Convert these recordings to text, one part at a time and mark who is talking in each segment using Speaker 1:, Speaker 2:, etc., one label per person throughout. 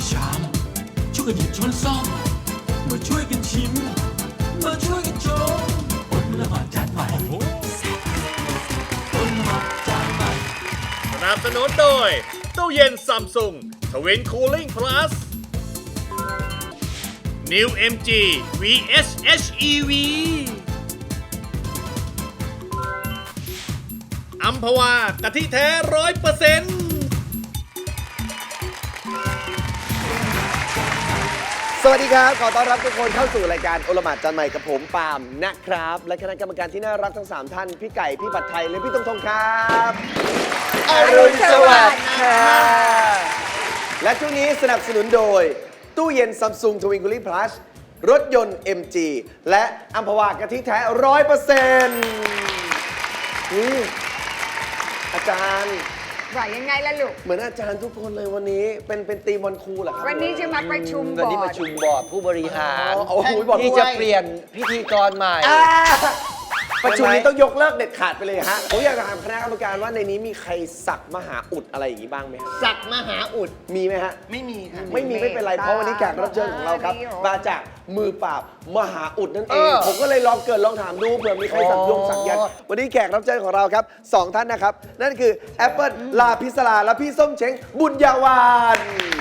Speaker 1: ชามช่วยกันหยิบช้อนซ่อมมาช่วยกันชิมมาช่วยกันชมอดละหมาดจานใหม่อดละหมาดจานใหม่
Speaker 2: สนับสนุนโดยตู้เย็นซัมซุงทวินคูลิ่งพลัส New MG VS HEV อัมพวากะทิแท้100%
Speaker 3: สวัสดีครับ ขอต้อนรับทุกคนเข้าสู่รายการโอละหมาดจานใหม่กับผมปาล์มนะครับ และคณะกรรมการที่น่ารักทั้ง 3 ท่าน พี่ไก่ พี่ผัดไทย และพี่ตงทงครับอรุณสวัสดิ์ค่ะและช่วงนี้สนับสนุนโดย ตู้เย็นซัมซุงทวินคูลิ่งพลัสรถยนต์ MG และอัมพวากะทิแท้ 100%อาจารย์
Speaker 4: ว่ายังไงล่ะลูก
Speaker 3: เหมือนอาจารย์ทุกคนเลยวันนี้เป็นตีมวันครูเหรอครับ
Speaker 4: วันนี้จะมาประชุมบ
Speaker 5: วัน
Speaker 4: อ
Speaker 5: นี้
Speaker 4: ร์
Speaker 5: ป
Speaker 4: ด
Speaker 5: ระชุมบอร์ดผู้บริหาร
Speaker 3: โอ้โหบอก
Speaker 5: ที่
Speaker 3: ด้ว
Speaker 5: จะ
Speaker 3: ย
Speaker 5: เปลี่ยนพิธีกรใหม่
Speaker 3: ประชุมนี้ต้องยกเลิกเด็ดขาดไปเลยฮะ ผมอยากจะถามคณะกรรมการว่าในนี้มีใครสักมหาอุดอะไรอย่างนี้บ้างไหมฮะ
Speaker 6: สักมหาอุด
Speaker 3: มีไหมฮะ
Speaker 6: ไม่มีค่ะ
Speaker 3: ไม่มีไม่เป็นไร เพราะวันนี้แขกรับเชิญของเราครับ มาจากมือปราบมหาอุดนั่นเอง ผมก็เลยลองเกิดลองถามดูเผื่อมีใครสักยงสักยันต์วันนี้แขกรับเชิญของเราครับสองท่านนะครับ นั่นคือแอปเปิลลาพิศลาและพี่ส้มเช้งบุญญาวาน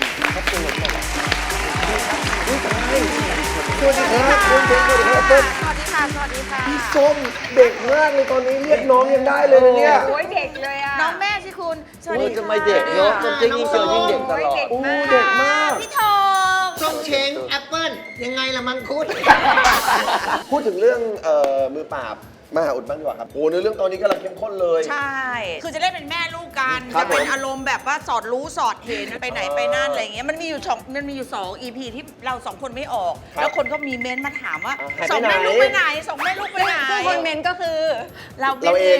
Speaker 3: สวัสดีครับคุณเช้งสวัสดีครับต้น
Speaker 4: สวัสดีค่ะ สวัสดีค่ะ
Speaker 3: พี่ส้มเด็กมากเลยตอนนี้เรียกน้องยังได้เลยนะเนี่ย
Speaker 4: โอ้ยเด็กเลยอ่ะ
Speaker 7: น้องแม่สิคุณ สวัส
Speaker 5: โอ้
Speaker 7: ดี
Speaker 5: ย
Speaker 7: ค่ะ
Speaker 5: ทำไมเด็กเนาะจริงยิ่งเจอยิ่งเด็กตลอด
Speaker 3: โอ้เด็กมาก
Speaker 7: พี่ทอง
Speaker 6: ส้มเช้งแอปเปิ้ลยังไงละมังคุด
Speaker 3: พูดถึงเรื่องมือปราบมหาอุดบ้างดีกว่าครับโอ้เนื้อเรื่องตอนนี้กำลังเข้มข้นเลย
Speaker 7: ใช่ คือจะเล่นเป็นแม่ลูกกัน
Speaker 3: ครับ
Speaker 7: จะเป็น
Speaker 3: ผม
Speaker 7: อารมณ์แบบว่าสอดรู้สอดเห็นไปไหนไปนั่นอะไรอย่างเงี้ย มันมีอยู่สอง EP ที่เราสองคนไม่ออก แล้วคนก็มีเม้นต์มาถามว่า
Speaker 3: หายไป
Speaker 7: สองแม่
Speaker 3: ไหน
Speaker 7: ลูกไปไหนสองแม่ลูกไปไหน
Speaker 4: ซึ่งคนเมนก็คือ
Speaker 7: เรา
Speaker 3: เราเอง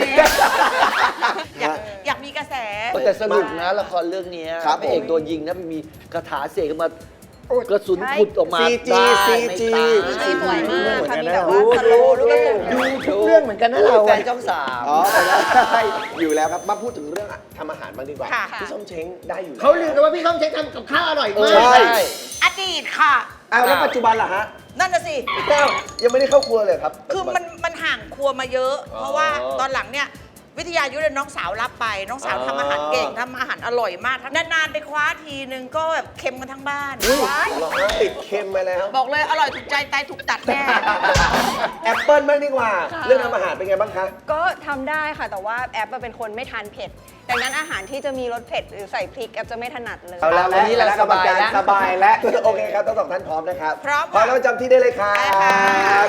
Speaker 7: อยากมีกระแส
Speaker 5: แต่สนุกนะละครเรื่องนี้
Speaker 3: ครับ
Speaker 5: พระเอก
Speaker 3: ผม
Speaker 5: โดนยิงนะมีคาถาเสกมากระสุนขุดออกมา
Speaker 3: CG
Speaker 5: ได้
Speaker 3: CG
Speaker 5: ไม่ตาย
Speaker 4: สวยมากค่ะมีแบบ
Speaker 3: ดู
Speaker 4: ว่าสโลว์ลูกกระสุน
Speaker 5: ดูทุกเรื่องเหมือนกันนะเราแฟนช่องสาม
Speaker 3: อ๋อได้อยู่แล้วครับ มาพูดถึงเรื่องทำอาหารบ้างดีกว่า
Speaker 7: ค่ะ
Speaker 3: พี่ส้มเช้งได้อยู่แล้ว
Speaker 6: เขาลือกันว่าพี่ส้มเช้งทำกับข้าวอร่อยมาก
Speaker 3: ใช่
Speaker 7: อดีตค่ะ
Speaker 3: อ้าวแล้วปัจจุบันล่ะฮะ
Speaker 7: นั่นน่ะสิ
Speaker 3: อ้าวยังไม่ได้เข้าครัวเลยครับ
Speaker 7: คือมันห่างครัวมาเยอะ เพราะว่าตอนหลังเนี่ยวิทยายุทธน้องสาวรับไป น้องสาวทำอาหารเก่งทำอาหารอร่อยมากนานๆไปคว้าทีนึงก็แบบเค็มกันทั้งบ้าน
Speaker 3: เหรอฮะติดเค็มไปแล้ว
Speaker 7: บอกเลยอร่อยถูกใจตายถูกตัดแน่
Speaker 3: แอปเปิลบ้างดีกว่า เรื่องทำอาหารเป็นไงบ้างคะ
Speaker 8: ก็ทำได้ค่ะ แต่ว่าแอปเป็นคนไม่ทานเผ็ด ดังนั้นอาหารที่จะมีรสเผ็ดหรือใส่พริกแอปจะไม่ถนัดเลย
Speaker 3: เอาแล้ว
Speaker 5: วันนี้เรา
Speaker 3: คณะกรรมการ
Speaker 5: ส
Speaker 3: ส
Speaker 5: บา
Speaker 3: บาย ย
Speaker 5: แล้
Speaker 3: แล้ว วโอเคครับทั้งสองท่านพร้อมนะครับ
Speaker 7: พร้อม
Speaker 3: พร้อมแล้วประจำที่ได้เลยครั
Speaker 7: ได้ค่ะ
Speaker 3: บ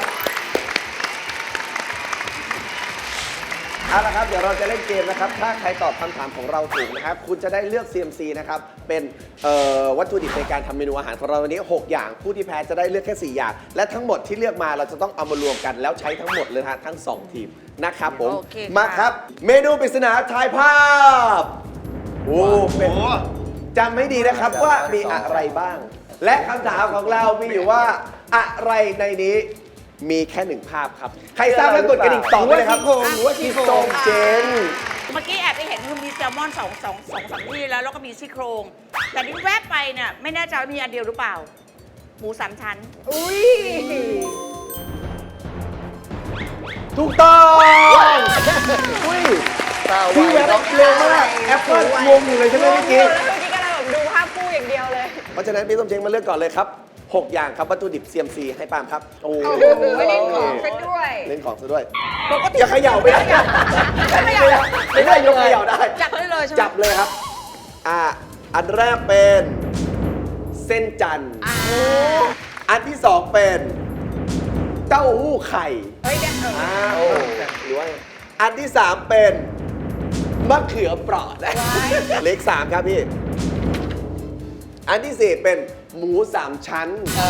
Speaker 3: เอาละครับเดี๋ยวเราจะเล่นเกมนะครับถ้าใครตอบคำถามของเราถูกนะครับคุณจะได้เลือก CMC นะครับเป็นวัตถุดิบในการทำเมนูอาหารของเราวันนี้ 6 อย่างผู้ที่แพ้จะได้เลือกแค่ 4 อย่าง และทั้งหมดที่เลือกมาเราจะต้องเอามารวมกันแล้วใช้ทั้งหมดเลยนะฮะทั้ง 2 ทีมนะครับผม
Speaker 7: โอเคค่ะ
Speaker 3: มาครับ เมนูปริศนาทายภาพโอ้เป็นจำให้ดีนะครับว่ามีอะไรบ้าง และคำถามของเรามีอยู่ว่าอะไรในนี้มีแค่ 1 ภาพครับ ใครทราบแล้วกดกระดิ่งตอบไปเลยครับหรือว่าที่โซงเจน
Speaker 7: เมื่อกี้แอบไปเห็นคือมีแซลมอนสองสามที่แล้วก็มีซี่โครง แต่ที่แวบไปเนี่ยไม่แน่ใจว่ามีอันเดียวหรือเปล่า หมู3 ชั้น
Speaker 8: อุ้ย
Speaker 3: ถูกต้อง
Speaker 5: อุ้ยตา
Speaker 3: พี่
Speaker 5: วา
Speaker 3: แวย บเร็วมากแอปเปิลงงอยู่เลยใช่ไหมเมื่อกี้
Speaker 8: แล้วเมื่อกี้กำลังแบบดูภาพคู่อย่างเดียวเลย
Speaker 3: เพราะฉะนั้นพี่ส้มเช้งมาเลือกก่อนเลยครับ 6 อย่างครับวัตถุดิบ CMC ให้ปาล์มครับ โอ้
Speaker 4: โอ้โหเล่นของซะด้วย
Speaker 3: เล่นของซะด้วย
Speaker 7: ปกติ
Speaker 3: อย่าเขย่าไปนะ
Speaker 7: ไม่เขย่า
Speaker 3: ไม่ได้ยกเขย่าได้
Speaker 7: จับได้เลยใช่ไหม
Speaker 3: จับเลยครับ อันแรกเป็นเส้นจันทร์อันที่ 2 เป็นเต้าหู้ไข่
Speaker 4: เฮ้ยเดี๋ยว
Speaker 3: หรือว่าอันที่ 3 เป็นมะเขือเปราะนะเลข 3 ครับพี่ อันที่ 4 เป็นหมู 3 ชั้น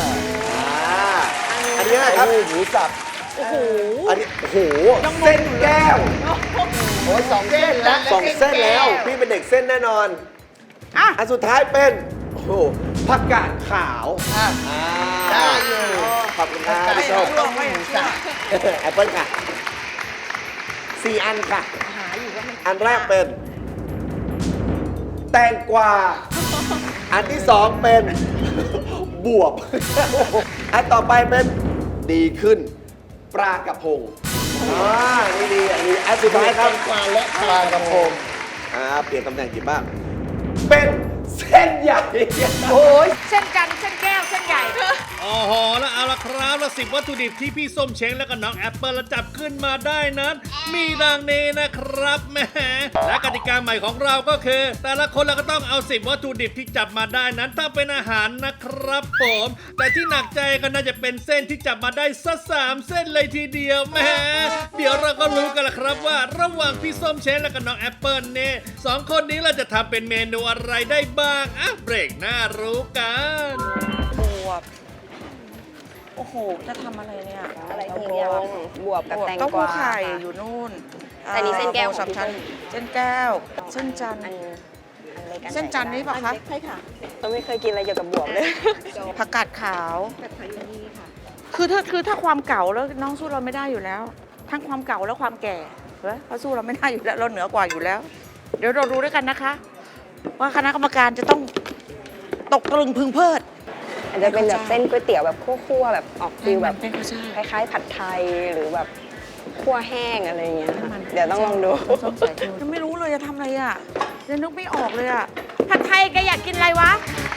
Speaker 3: อันนี้นะครับ
Speaker 5: หมูสับ
Speaker 3: อันนี้โอ้โหเส้นแก้ว
Speaker 5: โอ้ย2 เส้นแล้ว
Speaker 3: สองเส้นแล้ว พี่เป็นเด็กเส้นแน่นอน
Speaker 7: อ่ะ
Speaker 3: อันสุดท้ายเป็นโอ้โหผักกาดขาวได้อยู่ขอบคุณครับ
Speaker 7: ไม่
Speaker 3: พี่
Speaker 7: เอา
Speaker 3: ส้ม
Speaker 7: ลงไม่เอา
Speaker 3: แอปเปิลค่ะ 4 อันค่ะ อันแรกเป็น แตงกวาอันที่สองเป็น บวบ อันต่อไปเป็นดีขึ้น ปลากระพงนี่ดีอันนี้อันสุดท้ายครับ
Speaker 6: กวางและปลากระพง
Speaker 3: เปลี่ยนตำแหน่งกินบ้างเป็นเส้นใหญ่
Speaker 4: โอ้ยเส้นจันทร์เส้นแก้วเส้นใหญ่
Speaker 2: โอ้โหแล้วเอาละครับแล้ว10 วัตถุดิบที่พี่ส้มเช้งและก็น้องแอปเปิลจับขึ้นมาได้นั้น มีดังนี้นะครับแหมและกติกาใหม่ของเราก็คือ แต่ละคนเราก็ต้องเอา10 วัตถุดิบที่จับมาได้นั้นทำเป็นอาหารนะครับผมแต่ที่หนักใจก็น่าจะเป็นเส้นที่จับมาได้สัก3 เส้นเลยทีเดียวแหมเดี๋ยวเราก็รู้กันละครับว่าระหว่างพี่ส้มเช้งและก็น้องแอปเปิลเนี่ย2 คนนี้เราจะทำเป็นเมนูอะไรได้บ้างเบรกหน้ารู้กัน
Speaker 7: บวบ โอ้โห จะทำอะไรเนี่ย
Speaker 8: อะไร
Speaker 7: บ
Speaker 8: ดี
Speaker 7: ว
Speaker 8: อะ
Speaker 7: บบ
Speaker 8: วบกับแตง
Speaker 7: เต้าก หู้
Speaker 8: วา
Speaker 7: ไข่
Speaker 8: ค่ะ
Speaker 7: อยู่นู่น
Speaker 8: แต่นี่เส้นแก้ว
Speaker 7: โอ้สับชั้น
Speaker 8: ของพี่ส้ม
Speaker 7: เส้นแก้ว เส้นจันทร์
Speaker 8: อันเล็กอั
Speaker 7: เส้นจันทร์นี่ปะคะ
Speaker 8: ใช่ค่ะเราไม่เคยกินอะไรเกี่ยวกับบวบเลย
Speaker 7: ผักกาดขาวคือถ้าความเก่าแล้วน้องสู้เราไม่ได้อยู่แล้ว ทั้งความเก่าและความแก่เขาสู้เราไม่ได้อยู่แล้วเราเหนือกว่าอยู่แล้ว เดี๋ยวเรารู้ด้วยกันนะคะ ว่าคณะกรรมการจะต้องตกตะลึงพึงเพริด
Speaker 8: อาจจะเป็นแบบเส้นก๋วยเตี๋ยวแบบคั่วๆแบบออกฟิลแบบ
Speaker 7: เป็นข้าวใช่
Speaker 8: คล้ายๆผัดไทยหรือแบบคั่วแห้งอะไรอย่างเงี้ยค่ะ
Speaker 7: มัน
Speaker 8: เดี๋ยวต้องลองดู
Speaker 7: ยังไม่รู้เลยจะทำอะไรอ่ะยังนึกไม่ออกเลยอ่ะผัดไทยแกอยากกินอะไรวะ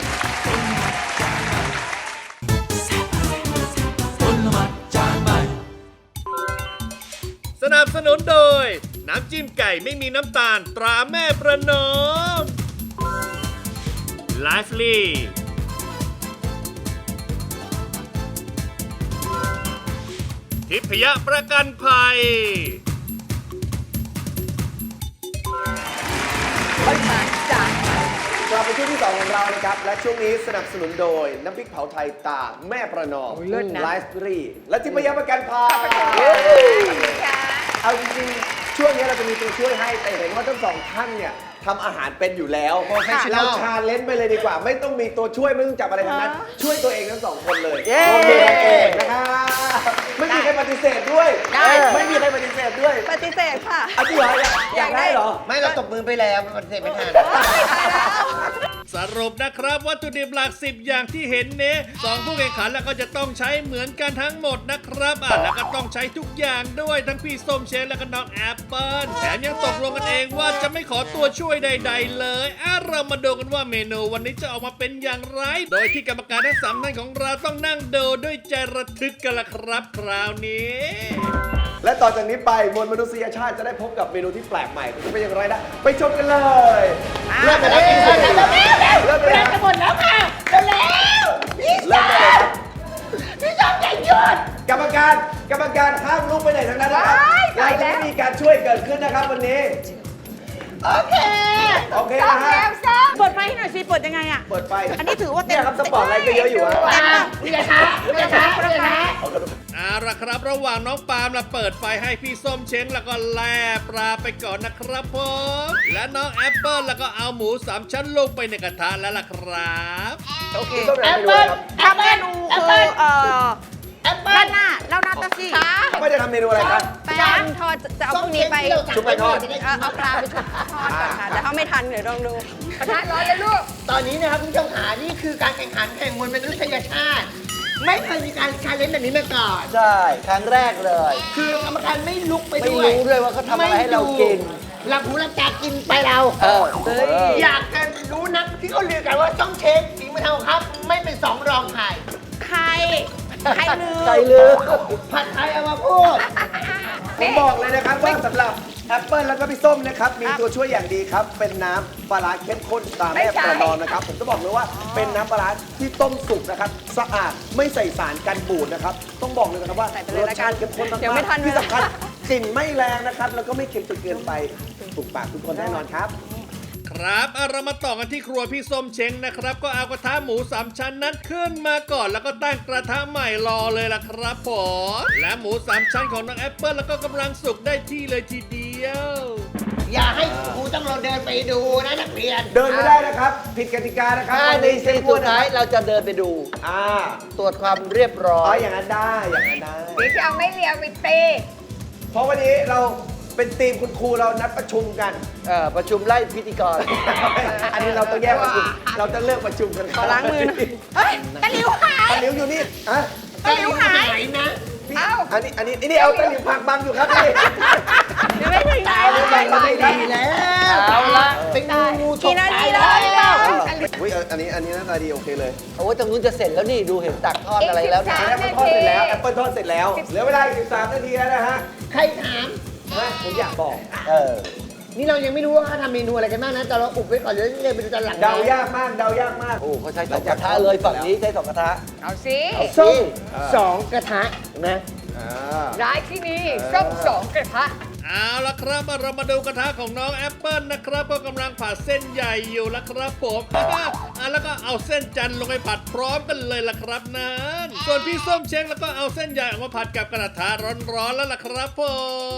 Speaker 2: สนับสนุนโดย น้ำจิ้มไก่ไม่มีน้ำตาลตราแม่ประนอม ไลฟ์ลีทิพยประกันภัย
Speaker 3: กลับไปช่วงที่ 2 ของเรานะครับ และช่วงนี้สนับสนุนโดย น้ำพริกเผาไทยตาแม่ประนอมไลฟ์รีและทิพยประกันภัยเอาจริงๆ ช่วงนี้เราจะมีตัวช่วยให้ แต่เห็นว่าทั้งสองท่านเนี่ยทำอาหารเป็นอยู่แล้ว เราชาเลนจ์ไปเลยดีกว่า ไม่ต้องมีตัวช่วยไม่ต้องจับอะไรทั้งนั้น ช่วยตัวเองทั้งสองคนเลยลงมือกันเองนะครับไม่มีใครปฏิเสธด้วย ไม่มีใครปฏิเสธด้วย
Speaker 8: ปฏิเสธค่ะ
Speaker 3: อาจริงเหรออยากได้เหรอ
Speaker 6: ไม่เราตบมือไปแล้วมันเสร็จไม่ทัน
Speaker 2: สรุปนะครับวัตถุดิบหลัก10 อย่างที่เห็นเนี้สองผู้แข่งขันแล้วก็จะต้องใช้เหมือนกันทั้งหมดนะครับแล้วก็ต้องใช้ทุกอย่างด้วยทั้งพี่ส้มเชนและก็น้องแอปเปิ้ลแถมยังตกลงกันเองว่าจะไม่ขอตัวช่วยใดๆเลยเรามาดูกันว่าเมนูวันนี้จะออกมาเป็นอย่างไร โดยที่กรรมการทั้ง3ท่านของเราต้องนั่งดูด้วยใจระทึกกันละครับคราวนี้
Speaker 3: และต่อจากนี้ไปมวลมนุษยชาติจะได้พบกับเมนูที่แปลกใหม่จะเป็นอย่างไรนะไปชมกันเลยเริ่มกันแล้วเริ่มกันแล้วจะหมดแล้วค่ะเริ่มได้เลยครับพี่ชอบใจหยุดกรรมการห้ามลุกไปไหนทั้งนั้นนะครับเราจะไม่มีการช่วยเกิดขึ้นนะครับวันนี้โอเคนะฮะ
Speaker 7: เปิดไฟให้หน่อยสิ เปิดยังไงอ่ะ
Speaker 3: เปิดไฟ
Speaker 7: อันนี้ถือว่าเต็ม
Speaker 3: เนี่ยครับสปอร์ตไลท์ก็เยอะอยู่ฮะ
Speaker 2: เอาละครับระหว่างน้องปาล์มละเปิดไฟให้พี่ส้มเช้งแล้วก็แล่ปลาไปก่อนนะครับผมและน้องแอปเปิลแล้วก็เอาหมู3 ชั้นลงไปในกระทะแล้วล่ะครับ
Speaker 3: โอเคแอปเปิ้ล
Speaker 7: ทำเมนูคือด้านหน้าแล้วนัดตะซี่
Speaker 3: ไม่จะทำเมนูอะไรครับ
Speaker 8: แป้งทอดจะเอาพวกนี้ไป
Speaker 3: ชุบไปทอด
Speaker 8: เอาปลาไปชุบทอดก่อนค่ะแต่ถ้าไม่ทันเดี๋ยวลองดู
Speaker 4: กระทะร้อนเลยลูก
Speaker 6: ตอนนี้นะครับคุณผู้ชมขานี่คือการแข่งขันแข่งมวลมนุษยชาติ ไม่เคยมีการชาเลนจ์แบบนี้มาก่อน
Speaker 5: ใช่ ครั้งแรกเลย
Speaker 6: คือกรรมการไม่ลุกไป
Speaker 5: ไม่
Speaker 6: ด้วย
Speaker 5: รู้ด้วยว่าเขาทำอะไรให้เรากิน
Speaker 6: หลับหูหลับตากินไปเรา อยากจะรู้นักที่เขาลือกันว่าต้องเช็คฝีมือทำของครับ ไม่เป็นสองรองใคร
Speaker 7: ใครลืม
Speaker 5: ใจลืม
Speaker 6: ผัดไทยเอามาพูด
Speaker 3: ผมบอกเลยนะครับว่าสำหรับแอปเปิลแล้วก็พี่ส้มนะครับมีตัวช่วยอย่างดีครับ เป็นน้ำปลาร้าเข้มข้นตามแม่ประนอมนะครับ ผมจะบอกเลยว่าเป็นน้ำปลาร้าที่ต้มสุกนะครับสะอาดไม่ใส่สารกันบูดนะครับต้องบอกเลยนะครับว่า
Speaker 8: ใส่ไปเลย
Speaker 3: รส
Speaker 8: ละกั
Speaker 3: ชาน ติเข้มข้นมาก
Speaker 8: เดี๋ยวไม่ทัน
Speaker 3: ๆที่สำคัญกลิ่นไม่แรงนะครับแล้วก็ไม่เค็มจนเกินไปถูกปากทุกคนแน่นอนครับ
Speaker 2: ครับเรามาต่อกันที่ครัวพี่ส้มเช้งนะครับ ก็เอากระทะหมู3 ชั้นนั้นขึ้นมาก่อนแล้วก็ตั้งกระทะใหม่รอเลยล่ะครับผมและหมู3 ชั้นของน้องแอปเปิลแล้วก็กำลังสุกได้ที่เลยทีเดียว
Speaker 6: อย่าให้ครูต้องเราเดินไปดูนะนักเรียน
Speaker 3: เดินไม่ได้นะครับ ผิดกติกานะครับ
Speaker 5: 5 นาทีสุดท้ายเราจะเดินไปดู
Speaker 3: อ่า
Speaker 5: ตรวจความเรียบร้อ
Speaker 3: อ๋อย อย่างนั้นได้อย่างนั้นได้
Speaker 4: เดี๋ยวจะเอาไม่เลียวไปตี
Speaker 3: เพราะวันนี้เราเป็นทีมคุณครูเรานัดประชุมกัน
Speaker 5: ประชุมไล่พิธีกร
Speaker 3: อันนี้เราต้องแยกประชุม เราจะเลิกประชุมกัน
Speaker 8: ขอล้างมือหน่อย
Speaker 7: เฮ้ยตะหลิวหาย
Speaker 3: ตะหลิวอยู่นี่อะ
Speaker 7: ตะหลิวหาย
Speaker 3: นะพี่อันนี้นี่เอาตะหลิวผักบังอยู่ครับพี่
Speaker 7: ยังไม่ถึงไหนเลย
Speaker 3: ไม่ดีแล้ว
Speaker 5: เอาละ
Speaker 3: เป็นงูฉ
Speaker 8: กี่
Speaker 3: ก
Speaker 8: นา
Speaker 3: ตา
Speaker 8: ที
Speaker 3: ย
Speaker 8: แล้
Speaker 3: แล้ว วอุ้ยอันนี้หน้าตาดีโอเคเลย
Speaker 5: โอ้ยตรงนู้นจะเสร็จแล้วนี่ดูเห็นตักทอดอะไรแล้วนะ
Speaker 3: แอปเปิลทอดเสร็จแล้วแอปเปิลทอดเสร็จแล้วเหลือเวลาอีก13 นาทีแล้วนะฮะ
Speaker 6: ใครถาม
Speaker 3: ผมอยากบอก
Speaker 6: นี่เรายังไม่รู้ว่าเขาทำเมนูอะไรกันบ้างนะ แต่เราอุบไว้ก่อนเดี๋ยวเลยไปดูตอนหลังนะ
Speaker 3: เดายากมากเดายากมาก
Speaker 5: โอ้เขาใช้2กระทะเลยฝั่งนี้ใช้2กระทะ
Speaker 4: เอาสิ
Speaker 6: ส้ม2 กระทะนะ
Speaker 4: ร้ายที่นี่ส้ม2 กระทะ
Speaker 2: เอาละครับเรามาดูกระทะของน้องแอปเปิลนะครับก็กำลังผัดเส้นใหญ่อยู่ละครับผม แล้วก็เอาเส้นจันทร์ลงไปผัดพร้อมกันเลยละครับนั้นส่วนพี่ส้มเช้งแล้วก็เอาเส้นใหญ่ออกมาผัดกับกระทะร้อนๆแล้วล่ะครับผม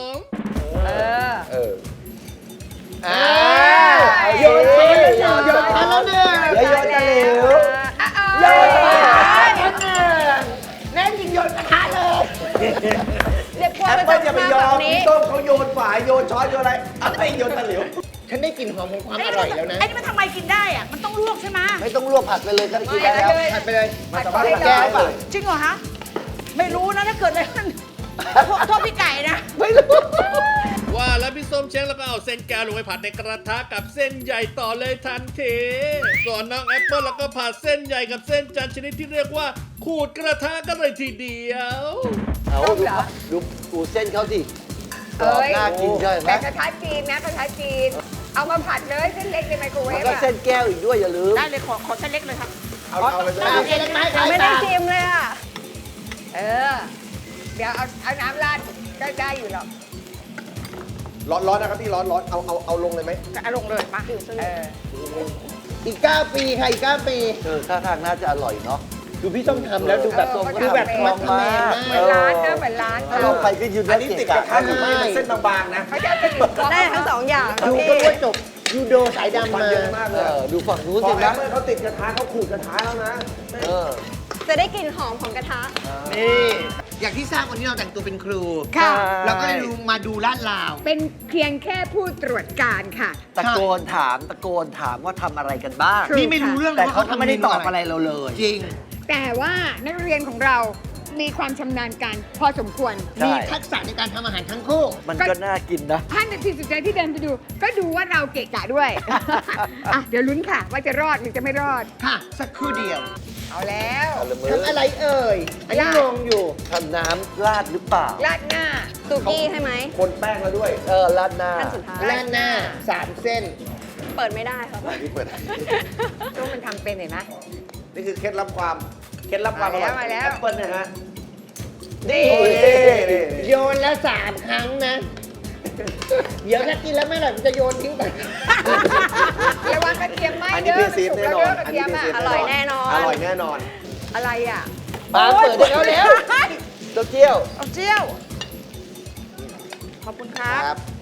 Speaker 6: โยนช้อนแล้วเนี่ยโยนช้อนแล้วเนี่ย
Speaker 3: เดี๋ยวโยนตะหลิว
Speaker 6: โยนกระทะแล้วเนี่ยแน่จริงโยนกระทะเลย
Speaker 8: เรียกว่า
Speaker 3: แอป
Speaker 8: ไป
Speaker 3: เปิลอย่าไปยอมพี่ส้มเขาโยนฝายโยนช้อนโยนอะไรอะไรโยนตะหลิว
Speaker 6: ฉันได้กลิ่นหอมของความอร่อยแล้วนะ
Speaker 7: ไอ้นี่มันทำไมกินได้อะมันต้องลวกใช่ไหม
Speaker 5: ไม่ต้องลวกผัดไปเลยก็กินได้แล้ว
Speaker 6: ผัดไปเลย
Speaker 3: มาสามารถ
Speaker 6: แก้
Speaker 3: แก้
Speaker 6: ป่ะ
Speaker 3: เลย
Speaker 7: จริงเหรอฮะ ไม่รู้นะถ้าเกิดอะไรขึ้นโทษพี่ไก่นะ
Speaker 6: ไม่รู้
Speaker 2: ว่าแล้วพี่ส้มเช้งแล้วก็เอาเส้นแก้วลงไปผัดในกระทะกับเส้นใหญ่ต่อเลยทันทีส่วนน้องแอปเปิลแล้วก็ผัดเส้นใหญ่กับเส้นจันทร์ชนิดที่เรียกว่าขูดกระทะกันเลยทีเดียว
Speaker 5: เอาดูเส้นเขาสิกรอบ
Speaker 4: เอ้ย
Speaker 5: น่ากินใช่ไหม
Speaker 4: แต่กระทะจีนนะกระทะจีน เอามาผัดเลยเส้นเล็กในไมโครเว
Speaker 5: มัน
Speaker 4: ฟ
Speaker 5: ก็
Speaker 4: อะ
Speaker 5: เส้นแก้วอีกด้วยอย่าลืม
Speaker 7: ได้เลยขอเส้นเล็กเลยครับ
Speaker 3: เอาไปเลย
Speaker 6: เอาเองไหม
Speaker 8: ยังไม่ได้ชิมเลยอ่ะ
Speaker 4: เออ เดี๋ยวเอาน้ำราดก็ได้อยู่หรอก
Speaker 3: ร้อนนะครับพี่ร้อนเอาลงเลยไหม
Speaker 7: เอาลงเลยมา
Speaker 4: เออ
Speaker 6: อีก 9 ปีค่ะอีก 9 ปี
Speaker 5: ท่าทางน่าจะอร่อยเนาะ
Speaker 6: ดูพี่ส้มทำแล้วดูแบบ
Speaker 4: เออ
Speaker 6: ดูแบบ
Speaker 4: เขา
Speaker 6: มัด
Speaker 4: ทำ
Speaker 6: แมน
Speaker 4: เหมื
Speaker 6: มา
Speaker 4: อน
Speaker 6: ก
Speaker 4: ร้านนะเหมือนร้าน
Speaker 5: ถ้าเราไปก็ยืน
Speaker 3: อันนี้ติดกระทะหรือไม่เป็นเส้นบางๆนะ
Speaker 4: เขาจะเป็นหนึ่งกล่อง
Speaker 8: ได้ทั้งสองอย่าง
Speaker 6: ดู
Speaker 8: พี่
Speaker 6: ก็รู้ว่าจบยูโดสายดำ
Speaker 3: มัน
Speaker 6: มา
Speaker 3: เยอะมากเลย
Speaker 5: ดูฝั่งนู้น
Speaker 3: พอ
Speaker 5: สิ
Speaker 3: แอ
Speaker 5: นะ
Speaker 3: ปเปิลเขาติดกระทะเขาขูดกระทะแล้วนะ
Speaker 5: เออ
Speaker 8: จะได้กลิ่นหอมของกระทะ
Speaker 6: นี่อย่างที่ทราบวันนี้เราแต่งตัวเป็นครู
Speaker 4: ค่ะ
Speaker 6: เราก็เลยมาดูลาดลาว
Speaker 4: เป็นเพียงแค่ผู้ตรวจการค่ะ
Speaker 5: ตะโกนถามว่าทำอะไรกันบ้าง
Speaker 4: ถูก
Speaker 6: นี่ไม่รู้เรื่องเลย
Speaker 5: แต่
Speaker 6: ว่า
Speaker 5: เขา
Speaker 6: เขาทำ
Speaker 5: ไม่ได้ตอบ
Speaker 6: เมนู
Speaker 5: อะไรเราเลย
Speaker 6: จริง
Speaker 4: แต่ว่านักเรียนของเรามีความชำนาญการพอสมควร
Speaker 5: ใช่
Speaker 6: มีทักษะในการทำอาหารทั้งคู่
Speaker 5: มันก็น่ากินนะ
Speaker 4: 5 นาทีสุดท้ายที่เดินไปดู ก็ดูว่าเราเกะกะด้วย อ่ะเดี๋ยวลุ้นค่ะ ว่าจะรอดหรือจะไม่รอด
Speaker 6: ค่ะ สักครู่เดียว
Speaker 4: เอาแล้ว
Speaker 6: ทำอะไรเอ่ย อันนี้งงอยู่
Speaker 5: ทำน้ำราดหรือเปล่า
Speaker 4: ราดหน้า
Speaker 8: สุกี้ใช่ไหม
Speaker 3: คนแป้งแล้วด้วย
Speaker 5: ราดหน้า
Speaker 8: ขั้นสุดท้าย
Speaker 6: แล่นหน้า 3 เส้น
Speaker 8: เปิดไม่ได้ครับ
Speaker 3: นี่เปิด
Speaker 4: ตู้มันทำเป็นเห็นไหม
Speaker 3: นี่คือเคล็ดลับความอร่อย
Speaker 4: มาแล้ว
Speaker 3: แอปเปิลนะฮะ
Speaker 6: นี่
Speaker 3: โอ้ย
Speaker 6: โยนแล้ว 3 ครั้งนะ เดี๋ยวถ้ากินแล้วไม่อร่อยมันจะโยนทิ้งไป
Speaker 4: ระวังกระเทียมไหม
Speaker 3: อันนี้
Speaker 4: เด้
Speaker 3: พี่
Speaker 4: อมัน
Speaker 3: ซีฟ
Speaker 4: สุก
Speaker 3: แน่
Speaker 4: แล้ว
Speaker 3: นอ
Speaker 4: เด้อน กระเทียมอ่ะ
Speaker 3: พี่ซีฟ
Speaker 8: อร่อยแน่นอน
Speaker 3: อร่อยแน่นอน
Speaker 4: อะไรอ่ะ
Speaker 5: ปาเปิดได้แล้วแล้วเต้าเจี้ยว
Speaker 7: เอาเจียว ขอบคุณครับ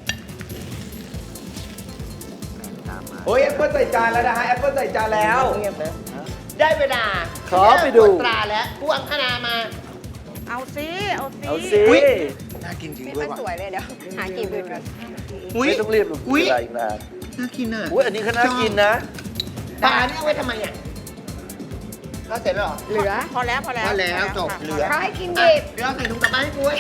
Speaker 3: โอ้ยแอปเปิลใส่จานแล้วนะฮะแอปเปิลใส่จานแล้ว
Speaker 6: เงียบนะ ได้เวลา
Speaker 5: ขอไปดู
Speaker 6: ตรวจตราแล้วผู้อังคณามา
Speaker 7: เอาสิเอาสิ
Speaker 5: เอาสิ
Speaker 6: อุ๊ย น่ากินจริง
Speaker 8: ไม่
Speaker 6: ด้ว
Speaker 8: ค่
Speaker 6: ย
Speaker 8: อย
Speaker 6: ว่ะ
Speaker 8: สวยเลยเดี๋ยว หากินอื่นก่อน
Speaker 6: อุ้ย
Speaker 5: ไม่ต้องรีบหรอก
Speaker 6: อุ๊ย
Speaker 5: เวลาอีกนาน
Speaker 6: น่ากินอ่ะ
Speaker 5: อุ้ยอันนี้ก็น่ากินนะ
Speaker 6: ปลาเนี่ยเอาไว้ทำไมอ่ะเราเสร็จแล้วเหรอ
Speaker 4: เหลือ
Speaker 7: พอแล้วพอแล้ว
Speaker 6: พอแล้วจบ
Speaker 7: ค่ะ
Speaker 6: เหลือ
Speaker 4: เขาให้กินดิบ
Speaker 6: เดี๋ยวเราใส่ถุงกลับบ้านให้กูไว้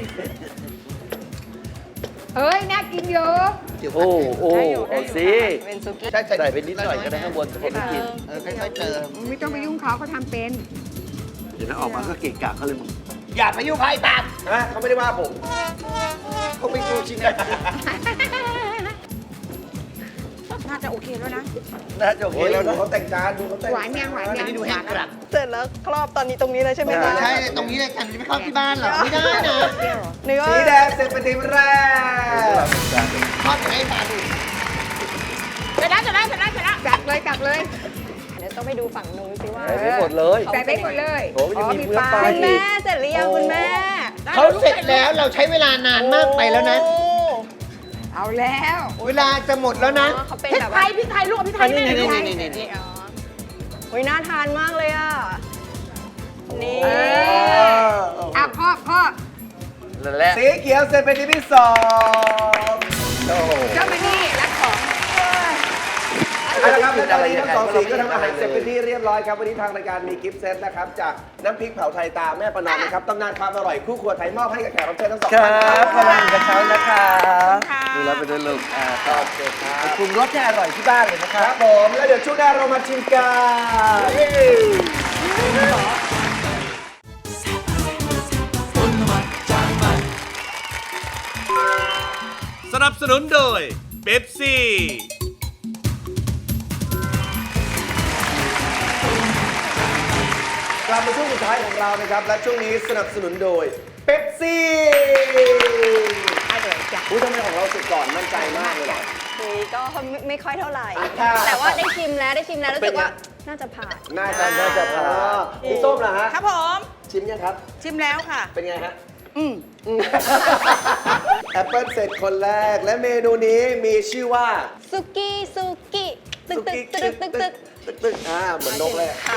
Speaker 4: เอ้ย น่ากินเยอะ
Speaker 6: เดี๋ยว
Speaker 5: โอ้โอ้เอาสิ
Speaker 8: เป็นซุกี้
Speaker 5: ใส่ไปนิดหน่อยก็ได้ข้างบนจะผมไม่กิน
Speaker 6: ค่อยๆเติม
Speaker 4: ไม่ต้องไปยุ่งเขาเขาทำเป็น
Speaker 5: เดี๋ยวนะออกมาก็เกะกะเขาเลยมึง
Speaker 6: อย่าไปยุ่งใครตาม
Speaker 3: นะเขาไม่ได้ว่าผม
Speaker 6: เขาไม่กูชินนะ
Speaker 7: น่าจะโอเคแล้วนะ
Speaker 5: น่าจะโอเค
Speaker 3: โอ้ย
Speaker 5: แล้ว
Speaker 3: ดู
Speaker 5: นะ
Speaker 3: เขาแต่งจานดูเขาแต่ง
Speaker 4: หวานยังหวาน
Speaker 6: อัน
Speaker 4: ยัง
Speaker 6: นี้ดูแห้งกรัด
Speaker 8: เสร็จแล้วครอบตอนนี้ตรงนี้เลยใช่ไหมคะ
Speaker 6: ใช่ตรงนี้เลยกันจะไม่เข้าที่บ้านหรอไม่ได้นะ
Speaker 8: เนื้อ
Speaker 3: สีแดงเสร็จเป็นทีมแรก
Speaker 6: ทอดอย่างให้ปลาดู
Speaker 7: เสร็จแล้วเสร็จแล้วเสร็จแล้วเสร็จแล้ว
Speaker 4: จัดเลยจัดเลย
Speaker 8: เดี๋ยวต้องไปดูฝั่งนู้นสิว่า
Speaker 5: ใส่ไปหมดเลย
Speaker 4: ใส่ไปหมดเลย
Speaker 5: โอ้มันจะมีเนื้อปลา
Speaker 8: คุณแม่เสร็จหรือยังคุณแม่
Speaker 6: เขาเสร็จแล้วเราใช้เวลานานมากไปแล้วนะ
Speaker 8: โอ้
Speaker 4: เอาแล้ว
Speaker 6: เวลาจะหมดแล้วนะ
Speaker 8: เขาเป็น
Speaker 7: พริก
Speaker 8: แบบ
Speaker 7: ไท
Speaker 8: ว่าย
Speaker 7: พริกไทยลวกพริกไทยแม่
Speaker 6: นี่
Speaker 7: พริกไทย
Speaker 6: นี่
Speaker 8: อ๋ออุ้ยน่าทานมากเลยอ่ะ นี่
Speaker 4: อ่ะพ่อ
Speaker 5: และ
Speaker 3: สีเขียวเสร็จเป็นที่ที่2โอ้โห
Speaker 4: เจ้ามานี่รักของ
Speaker 3: เอาละครับและตอนนี้ทั้งสองสีก็ทำอาหารเสร็จเป็นที่เรียบร้อยครับวันนี้ทางรายการมีกิฟต์เซตนะครับจากน้ำพริกเผาไทยตาแม่ประนอมนะครับตำนานความอร่อยคู่ครัวไทยมอบให้กับแขกรับเชิญทั้งสอง
Speaker 5: ครั
Speaker 3: ท่าน
Speaker 5: บขอบคุณกระเช้านะคะ
Speaker 7: ค่ะ
Speaker 5: ดูแลไปด้วยลูกขอบคุณครับปรุงรสให้อร่อยที่บ้านเลยนะค
Speaker 3: ค
Speaker 5: รั
Speaker 3: รั
Speaker 5: บบ
Speaker 3: ผมแล้วเดี๋ยวช่วงหน้าเรามาชิมกัน
Speaker 1: คนละหมาดจานใหม่
Speaker 2: สนับสนุนโดยเบปซี่
Speaker 3: กลับมาช่วงสุดท้ายของเรานะครับและช่วงนี้สนับสนุนโดยเป๊ปซี่ทำไมของเราสุดก่อนมั่นใจมากเลยเหรอ
Speaker 8: ก็ไม่ค่อยเท่าไหร่
Speaker 3: อ่า
Speaker 8: แต่ว่าได้ชิมแล้วรู้สึกว่าน่าจะผ่าน
Speaker 3: น่าจะผ่านพี่ส้มล่ะฮะ
Speaker 7: ครับผม
Speaker 3: ชิมยังครับ
Speaker 7: ชิมแล้วค่ะ
Speaker 3: เป็นไงฮะ
Speaker 7: อืม
Speaker 3: แอปเปิลเสร็จคนแรกและเมนูนี้มีชื่อว่า
Speaker 8: ซุกี้ตึก
Speaker 3: ตึกเหมือนนกเลย
Speaker 8: ค่ะ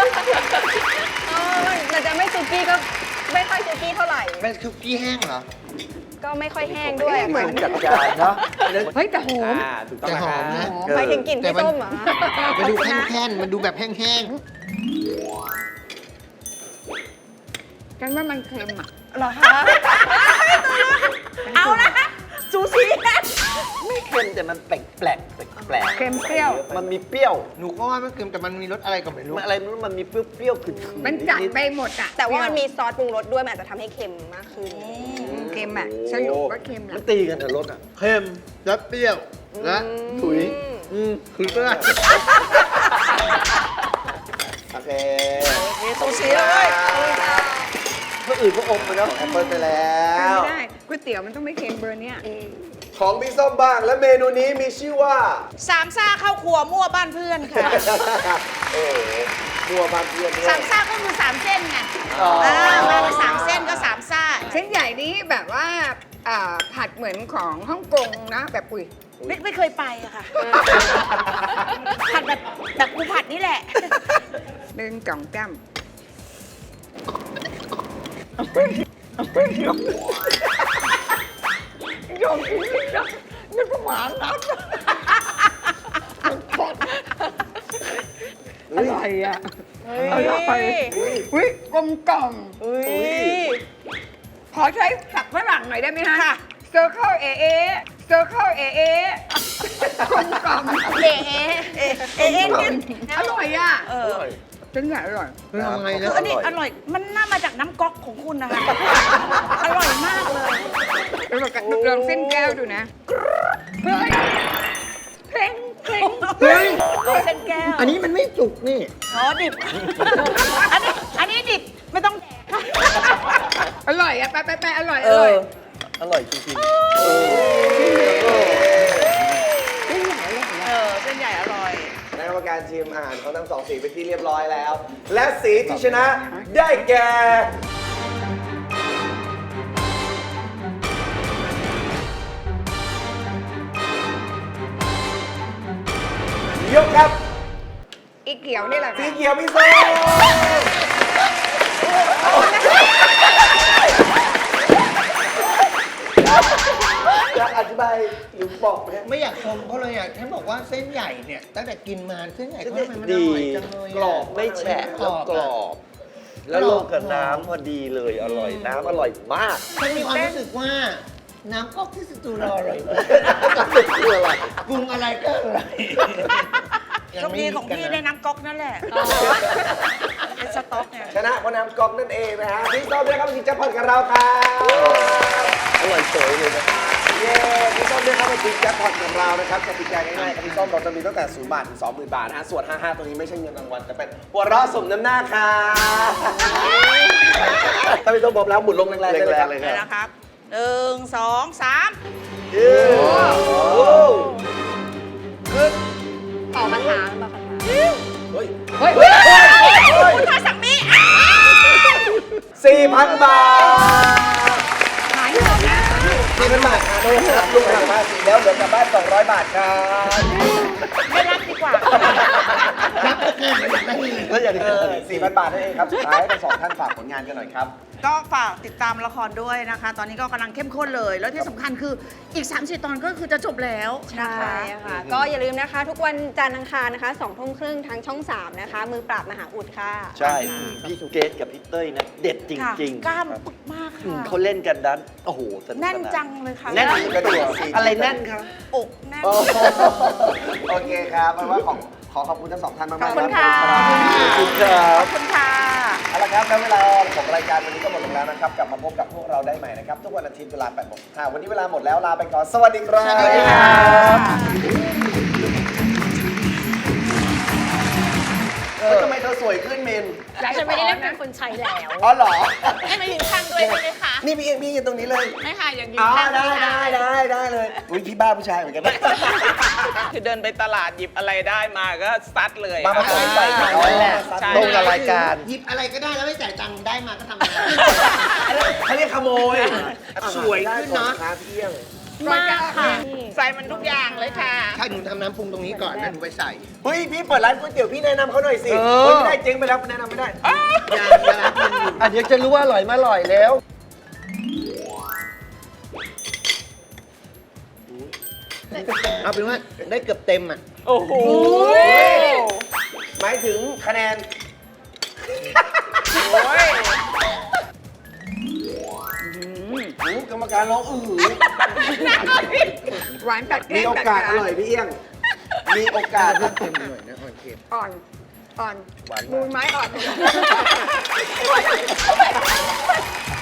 Speaker 8: มันจะไม่ซุกี้ก็ไม่ค่อยซุกี้เท่าไหร่
Speaker 6: เป็นคุกกี้แห้งเหรอ
Speaker 8: ก็ไม่ค่อยแห้งด้วย
Speaker 4: เหมือน
Speaker 5: จัดจานเนาะ
Speaker 4: เฮ้ยแต่หอม
Speaker 3: ถูกต้อง
Speaker 6: แต่หอมนะ
Speaker 8: หมายถึงกลิ่นพี่ส้มเหรอ
Speaker 6: มันดูแห้งๆมันดูแบบแห้ง
Speaker 4: กันว่ามันเค็มอ่ะ
Speaker 8: เหรอคะ
Speaker 7: เอาละซูชิ
Speaker 5: ไม่เค็มแต่มันแปลกแปลก
Speaker 4: เค็มเปรี้ยว
Speaker 5: มันมีเปรี้ยว
Speaker 6: ๆ หนูก็ว่าไม่เค็มแต่มันมีรสอะไรก็ไม่รู้
Speaker 5: มันอะไรไม่รู้มันมีเปรี้ยวๆขึ้นๆ
Speaker 4: มันจัดไปหมดอ่ะ
Speaker 8: แต่ว่ามันมีซอสปรุงรสด้วยมันอาจจะทำให้เค็มมากขึ้น
Speaker 4: เค็มอ่ะสรุปว่าเค็มแห
Speaker 5: มั
Speaker 4: ละ
Speaker 5: นตีกันแต่รสอ่ะ
Speaker 6: เค็มแล้วเปรี้ยวและถุยคือก็ได้
Speaker 3: โอเค
Speaker 7: มีซูชิเลย
Speaker 5: เมื่ออื่นก็อมไปแล้ว
Speaker 3: แอปเปิลไปแล้ว
Speaker 4: ไม่ได้ก๋วยเตี๋ยวมันต้องไม่เค็มเบอร์เนี้ย
Speaker 3: ของพี่ส้มบ้างและเมนูนี้มีชื่อว่า
Speaker 7: สามซ่าเข้าครัวมั่วบ้านเพื่อนค่ะ
Speaker 3: โอ้โหนัวบางเพื่อนด้วย
Speaker 7: สามซ่าก็คือสามเส้นไง
Speaker 3: อ๋อ
Speaker 7: มาเป็นสามเส้นก็สามซ่า
Speaker 4: เส้นใหญ่นี้แบบว่าผัดเหมือนของฮ่องกงนะ แบบอุ้ย
Speaker 7: ไม่เคยไปอะค่ะ ผัดแบบกูผัดนี่แหละ
Speaker 4: หนึ่งจ่องจ้ ำยอมกินไม่ได้นึกว่าหมาน้ำอร่อยอ่ะอร่อยอุ้ยกลมกล่อมขอใช้ศัพท์ฝรั่งหน่อยได้ไหมฮะ
Speaker 7: ค่ะ
Speaker 4: Circle AA Circle AA กลมกล่อม
Speaker 7: เอ๊ะ
Speaker 4: อร่อยอ่ะ
Speaker 7: เออ
Speaker 4: เส้นใหญ่อร่อย
Speaker 6: คือทำไง
Speaker 7: คื
Speaker 6: นะ
Speaker 7: ออันนี้อร่อย มันน่ามาจากน้ำก๊อกของคุณนะคะ อร่อยมากเลย
Speaker 4: ลองเส้นแก้วดูนะเฮ้ยเพลง
Speaker 6: เฮ้ย
Speaker 7: เอาเส้นแก้ว
Speaker 6: อันนี้มันไม่สุกนี่
Speaker 7: อ๋อดิบ อันนี้ดิบไม่ต้องแดก
Speaker 4: อร่อยอ่ะไปอร่อย
Speaker 5: เอ
Speaker 4: อร่อย
Speaker 5: ออร่อยจริง
Speaker 7: เส้นใหญ่อร่อย
Speaker 3: คณะกรรมการชิมอาหารของทั้งสองสีเป็นที่เรียบร้อยแล้ว และสีที่ชนะได้แก่ยกครับ
Speaker 4: อีเขียวนี่แหละ
Speaker 3: สี
Speaker 4: ค่ะ
Speaker 3: เขียวพี่ส้มจะอธิบายหรือบอกไหม
Speaker 6: ไม่อยากชมเขาเลยอ่ะฉันบอกว่าเส้นใหญ่เนี่ยตั้งแต่กินมาเส้นใหญ่เขาทำไมมันอ
Speaker 5: ดี
Speaker 6: ร่อยจังเลยะ
Speaker 3: กรอบ
Speaker 5: ไม่แฉะแล้วกรอบ แล้วลงกับน้ำพอดีเลยอร่อยน้ำอร่อยมาก
Speaker 6: ฉันมีความรู้สึกว่า น้ำก๊อกที่สตูรอร่อยมาก
Speaker 5: คืออะไร
Speaker 6: ปรุงอะไรก็อร่อย
Speaker 7: โชคดีของพี่ได้น้ำก๊อกนั่นแหละเป็นสต๊อกเนี่ย
Speaker 3: ชนะเพราะน้ำก๊อกนั่นเองนะฮะพี่ส้มได้ครับมาชิงแจ็คพอตกับเราครับ
Speaker 5: อร่อยสวยเลยนะ
Speaker 3: เย้พี่ส้มได้เข้ามาชิงแจ็คพอตของเรานะครับกติกาง่ายๆครับพี่ส้มเราจะมีตั้งแต่0 บาทถึง 20,000 บาทนะฮะส่วน 55 ตัวนี้ไม่ใช่เงินรางวัลแต่เป็นหัวเราะสมน้ำหน้าค่ะถ้าพี่ส้มบอกแล้วหมุนลงแรงๆได้เลยครับ
Speaker 5: แรงๆเลย
Speaker 7: เลยนะครับ 1 2 3
Speaker 8: ออกมาถามมาค่ะ
Speaker 3: เฮ้ย
Speaker 7: คุณทาสังมี
Speaker 3: 4,000 บาท
Speaker 4: หายหมดนะ
Speaker 3: 4,000 บาทค่ะโดยรับลุงหักภาษีแล้วเหลือกลับบ้าน 200 บาทครับ
Speaker 7: ไม่รับดีกว่า
Speaker 3: แล้วอย่างนี้4,000 บาทนั่นเองครับ สุดท้ายให้ทั้งสองท่านฝากผลงานกันหน่อยครับ
Speaker 7: ก็ฝากติดตามละครด้วยนะคะ ตอนนี้ก็กำลังเข้มข้นเลย แล้วที่สำคัญคืออีก30 ตอนก็คือจะจบแล้วนะคะ
Speaker 8: ใช่ค่ะ ก็อย่าลืมนะคะ ทุกวันจันทร์อังคารนะคะ20:30ทางช่อง 3 นะคะ มือปราบมหาอุดค่ะ
Speaker 5: ใช่ พี่เกดกับพี่เต้ยนะเด็ดจ
Speaker 7: ค่ะ
Speaker 5: ริง
Speaker 7: กล้ามปึกมาก
Speaker 5: ๆ
Speaker 7: ค่ะ
Speaker 5: เขาเล่นกันนั้นโอ้โหสนุกสา
Speaker 7: แน่นจังเลยค่ะ
Speaker 5: แน่นกระดูกอะไรแน่นครับ
Speaker 7: อกแน่น
Speaker 3: โอ้โหโอเคครับแปลว่าขอขอบคุณทั้งสองท่านมากๆ
Speaker 7: ขอบคุณค่ะ
Speaker 3: ขอบคุณครั
Speaker 7: ข
Speaker 3: บ
Speaker 7: อบคุณค่ะ
Speaker 3: เอาละครับแล้วเวลาของรายการวันนี้ก็หมดลงแล้วนะครับ กลับมาพบกับพวกเราได้ใหม่นะครับ ทุกวันอาทิตย์เวลา 8:05วันนี้เวลาหมดแล้วลาไปก่อน สวัสดีครับ
Speaker 7: สวัสดีค่ะ
Speaker 3: ทำไมเธอสวยขึ้นเมน
Speaker 9: ฉันไม่ได้เล่นเป็นคนใช้แล้ว
Speaker 3: อ๋อเหรอ
Speaker 9: ให้มายืนข้างด้วยใช่ไหมคะ
Speaker 3: นี่พี่เองพี่ยืนตรงนี้เลย
Speaker 9: ไม่ค่ะอย่างยืน
Speaker 3: อ๋อ
Speaker 9: ข้าง
Speaker 3: ได้
Speaker 9: ผู้ชาย
Speaker 3: ได้เลยอุ้ยพี่บ้าผู้ชายเหมือนกันนะ
Speaker 10: คือเดินไปตลาดหยิบอะไรได้มาก็ซัดเลย
Speaker 3: มาผสมใส่กัน
Speaker 10: นั่นแหละ
Speaker 3: ใช่ตรงกับรายการ
Speaker 6: หยิบอะไรก็ได้แล้วไม่จ่ายตังค์ได้มาก็ทำงาน
Speaker 3: เขาเรียกขโมย
Speaker 6: สวยขึ้นเนอะ
Speaker 3: ครับพี่เอี้ยง
Speaker 9: มากค่ะ
Speaker 10: ใส่มันทุกอย่างเลยค่ะ
Speaker 6: ถ้าหนูทำน้ำปรุงตรงนี้ก่อนแล้วหนูไปใส่
Speaker 3: เฮ้ยพี่เปิดร้านก๋วยเตี๋ยวพี่แนะนำเขาหน่อยสิไม่ได้เจ๊งไปแล้วแนะนำไม่ได้
Speaker 6: อย่าร้านปรุงอยู่
Speaker 3: อ่ะเดี๋ยวจะรู้ว่าอร่อยมาอร่อยแล้ว
Speaker 6: เอาเป็นว่าได้เกือบเต็มอ่ะ
Speaker 10: โอ้โห
Speaker 3: หมายถึงคะแนน
Speaker 10: โอ้ย
Speaker 3: กรรมการร้องอื้อหือ
Speaker 4: หวานตัดแก้
Speaker 3: มี
Speaker 4: ม
Speaker 3: โอ
Speaker 4: ตัด
Speaker 3: กาส
Speaker 4: ขา
Speaker 3: อร่อยพี่เอี้ยง มีโอกาส
Speaker 6: เพิ่มเค็มหน่อยนะอ่อนเค็ม
Speaker 4: อ่อน อ่อน
Speaker 3: หวานมาก
Speaker 4: มูลไม้อ่อน